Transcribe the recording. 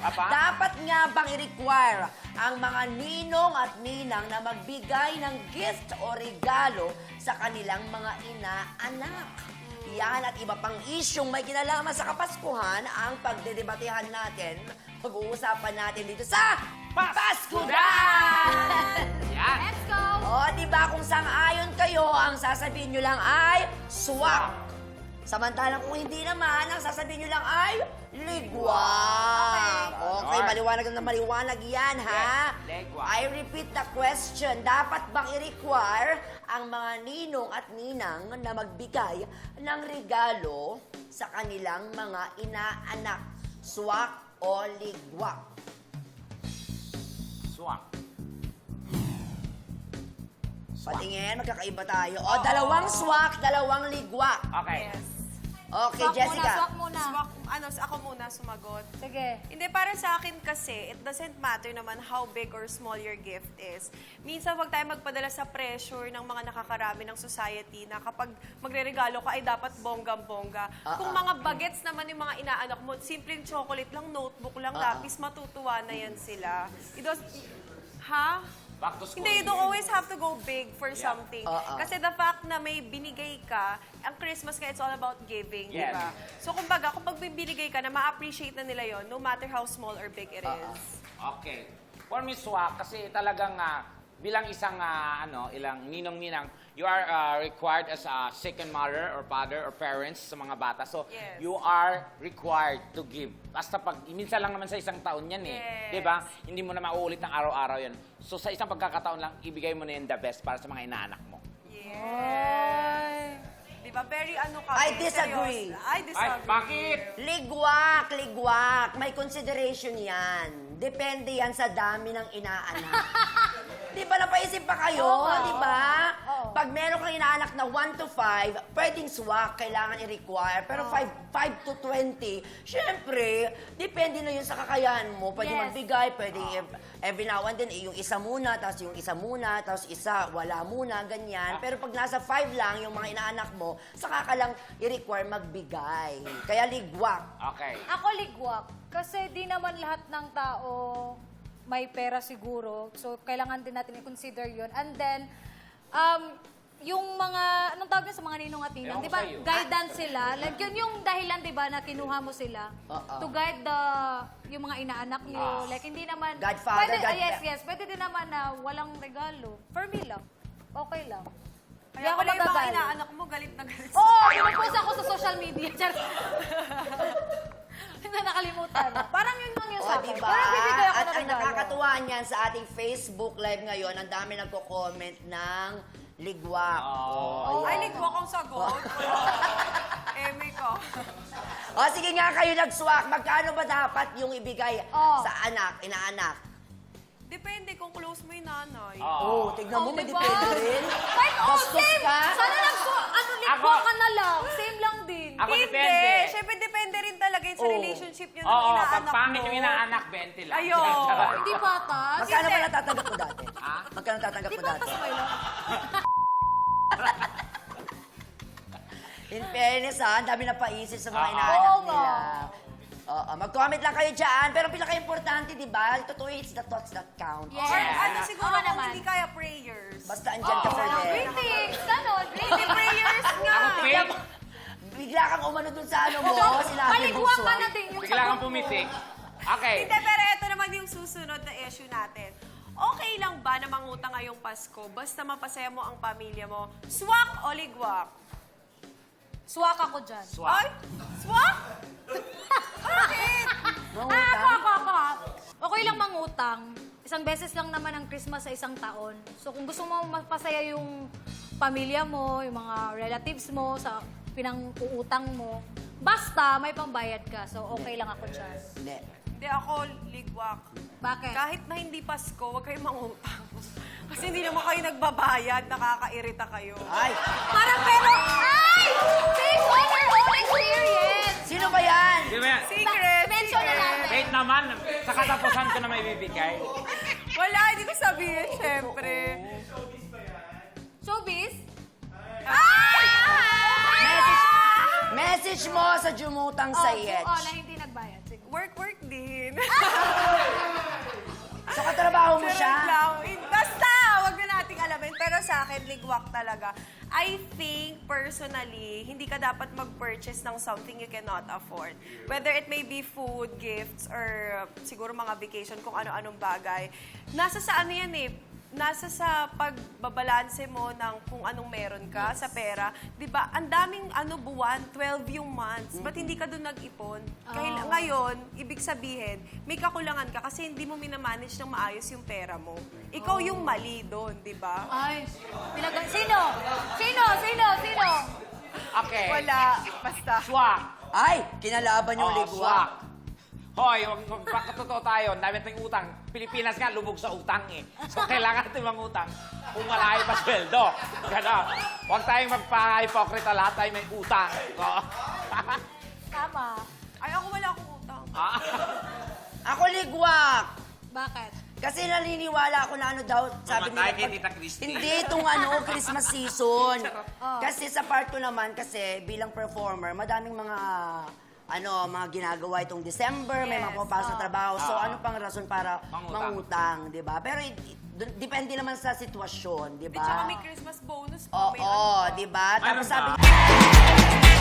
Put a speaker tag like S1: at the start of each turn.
S1: Apa?
S2: Dapat nga bang i-require ang mga ninong at ninang na magbigay ng gift o regalo sa kanilang mga ina-anak? Yan at iba pang isyong may kinalaman sa Kapaskuhan ang pagdedebatehan natin. Pag-uusapan natin dito sa Paskudan!
S1: Yan.
S3: Let's go!
S2: O, diba kung sang-ayon kayo, ang sasabihin nyo lang ay swak. Samantalang kung hindi naman, ang sasabihin nyo lang ay ligwak. Okay,
S1: Alright.
S2: maliwanag na maliwanag yan, ha?
S1: Yes, ligwak.
S2: I repeat the question. Dapat bang i-require ang mga ninong at ninang na magbigay ng regalo sa kanilang mga inaanak? Swak o ligwak?
S1: Swak.
S2: Patingin, magkakaiba tayo. O, dalawang swak, dalawang ligwak.
S1: Okay.
S4: Yes.
S2: Okay,
S3: Swak
S2: Jessica.
S3: Swak muna.
S4: Ako muna sumagot.
S3: Sige.
S4: Hindi, para sa akin kasi, it doesn't matter naman how big or small your gift is. Minsan, wag tayo magpadala sa pressure ng mga nakakarami ng society na kapag magre-regalo ka ay dapat bonggang-bongga. Kung mga bagets naman yung mga inaanak mo, simpleng chocolate lang, notebook lang, lapis, matutuwa na yan sila. Ha?
S1: Back to school.
S4: Hindi, you don't always have to go big for something.
S2: Uh-uh.
S4: Kasi the fact na may binigay ka, ang Christmas nga, it's all about giving, di
S1: Yes.
S4: ba? So, kumbaga, kung pag binigay ka na, ma-appreciate na nila yon, no matter how small or big it is.
S1: Okay. For me, swak, kasi talagang bilang isang ilang ninong-ninang, you are required as a second mother or father or parents sa mga bata. So,
S4: Yes.
S1: you are required to give. Basta pag, minsan lang naman sa isang taon yan eh.
S4: Yes.
S1: Di ba? Hindi mo na mauulit ng araw-araw yan. So, sa isang pagkakataon lang, ibigay mo na yun the best para sa mga inaanak mo.
S4: Yes. Di ba? Very ano ka.
S2: I disagree.
S4: I
S1: Ay,
S4: disagree.
S1: bakit?
S2: Ligwak, ligwak. May consideration yan. Depende yan sa dami ng inaanak. Di ba napaisip pa kayo? Di ba? Pag meron kang inaanak na 1 to 5, pwedeng swak, kailangan i-require. Pero 5 to 20, syempre, depende na yun sa kakayahan mo. Pwede
S3: Yes.
S2: magbigay, pwede every now and then, yung isa muna, tapos yung isa muna, tapos isa, wala muna, ganyan. Pero pag nasa 5 lang, yung mga inaanak mo, saka ka lang i-require magbigay. Kaya ligwak.
S1: Okay.
S3: Ako ligwak. Kasi di naman lahat ng tao may pera siguro. So, kailangan din natin i-consider yun. And then, yung mga, anong tawag yun sa mga ninong at ninang?
S1: Ewan ko
S3: Di ba,
S1: sa'yo.
S3: guidance sila. Like, yun yung dahilan, di ba, na kinuha mo sila to guide yung mga inaanak nyo. Like, hindi naman...
S2: Godfather,
S3: Yes. Pwede din naman na walang regalo. For me lang. Okay lang. Hindi
S4: Kaya
S3: ako
S4: pala yung mga
S3: magagalit.
S4: inaanak mo, galit na galit.
S3: Oo! Pinupost ako sa social media. Hindi na nakalimutan. Parang yun lang yung
S2: O,
S3: sa akin.
S2: diba?
S3: Parang bibigay ako
S2: At
S3: ng
S2: ang
S3: regalo.
S2: nakakatuwa niyan sa ating Facebook Live ngayon, ang dami nagko-comment ng ligwak.
S1: Oh.
S4: Ay, ligwak ang sagot. Eme ko.
S2: O, sige nga kayo nag-swak. Magkano ba dapat yung ibigay sa anak, inaanak?
S4: Depende kung close mo yung nanay.
S2: Oh, tignan mo, may
S3: diba?
S2: depende rin. Bastos
S3: same.
S2: ka.
S3: Sana ligwa ka na lang. Same lang din.
S1: Ako
S4: Hindi.
S1: depende.
S4: Siyempre, depende rin talaga yun sa
S2: Oo.
S4: relationship nyo ng
S1: Oo, pag
S4: inaanak
S1: pangit
S4: mo.
S1: yung inaanak, 20 lang.
S4: Ayun.
S3: Hindi patas.
S2: Magkano ba natatanggap mo dati?
S1: Ha?
S2: Magkano natatanggap
S3: Hindi
S2: mo dati?
S3: patas ba yun?
S2: In fairness ha, ang dami na paisip sa mga
S1: Oo.
S2: inaanak
S3: Oo
S2: nila.
S3: nga.
S2: Oo, mag-comment lang kayo dyan. Pero pinaka-importante, di ba? Totoo, it's the thoughts that count.
S3: Yes.
S4: Or ano siguro
S3: Oo
S4: kung
S3: naman.
S4: hindi kaya prayers.
S2: Basta andyan ka for them.
S3: Greetings. Ganon.
S4: Hindi
S3: Greetings.
S4: prayers nga.
S1: Ako, fake.
S2: Bigla kang umano dun sa ano mo, sinabi mo
S3: Paligwa ka
S2: swak.
S3: na din yung
S1: Bigla kang
S3: sagot mo.
S1: pumitik. Okay.
S4: Hindi, pero ito naman yung susunod na issue natin. Okay lang ba na mangutang ngayong Pasko basta mapasaya mo ang pamilya mo? Swak o ligwak?
S3: Swak ako dyan.
S4: Ay! Swak? Bakit?
S3: Ako. Okay lang mangutang. Isang beses lang naman ang Christmas sa isang taon. So kung gusto mo mapasaya yung pamilya mo, yung mga relatives mo, sa pinang-uutang mo, basta may pambayad ka. So okay lang ako dyan.
S2: Hindi.
S4: Hindi ako ligwak.
S3: Bakit?
S4: Kahit na hindi Pasko, huwag kayong mangutang. Kasi hindi naman kayo nagbabayad, nakakairita kayo.
S2: Ay,
S3: Parang pero... Ay! Based on your own experience!
S2: sino ba yan?
S1: Di ba yan?
S4: Secret!
S3: Mention na
S4: secret.
S3: natin.
S1: Wait naman, sa katapusan ko na may bibigay.
S4: Wala, hindi ko sabihin, syempre.
S3: Showbiz?
S2: Message mo sa Jumutang Sayet.
S3: Oo, na hindi nagbayad. Sige.
S4: Work din. ligwak talaga. I think, personally, hindi ka dapat mag-purchase ng something you cannot afford. Whether it may be food, gifts, or siguro mga vacation, kung ano-anong bagay. Nasa sa ano yan eh, nasa sa pagbabalanse mo ng kung anong meron ka sa pera. 'Di ba? Ang daming buwan, 12 yung months. Ba't hindi ka doon nag-ipon? Ngayon, ibig sabihin, may kakulangan ka kasi hindi mo minamanage ng maayos yung pera mo. Ikaw yung mali doon, 'di ba?
S3: Ay, sino? Sino?
S1: Okay.
S4: Wala, basta.
S1: Swak.
S2: Ay, kinalaban yung ligwak.
S1: Swak. Hoy, magpakatotoo tayo. Dami nating utang. Pilipinas nga, lubog sa utang eh. So, kailangan natin mangutang kung malayo pa sweldo. Ganon. Huwag tayong magpa-hypocrita. Lahat tayo may utang. Oo.
S3: Tama.
S4: Ay, ako wala akong utang.
S2: Ako ligwak.
S3: Bakit?
S2: Kasi naniniwala ako na daw, sabi
S1: Mamatay
S2: nila,
S1: kay Tita Christy.
S2: hindi itong Christmas season. Kasi sa part ko naman, kasi bilang performer, madaming mga mga ginagawa itong December, may mga
S4: Yes,
S2: pumapasok na trabaho. So, ano pang rason para
S1: Mangutang.
S2: mangutang, di ba? Pero, depende naman sa sitwasyon, di
S4: Di, tsaka
S2: ba?
S4: may Christmas bonus pa.
S2: Oo,
S4: may ano pa.
S2: di ba?
S1: Mayroon
S2: Tapos sabi
S1: ba?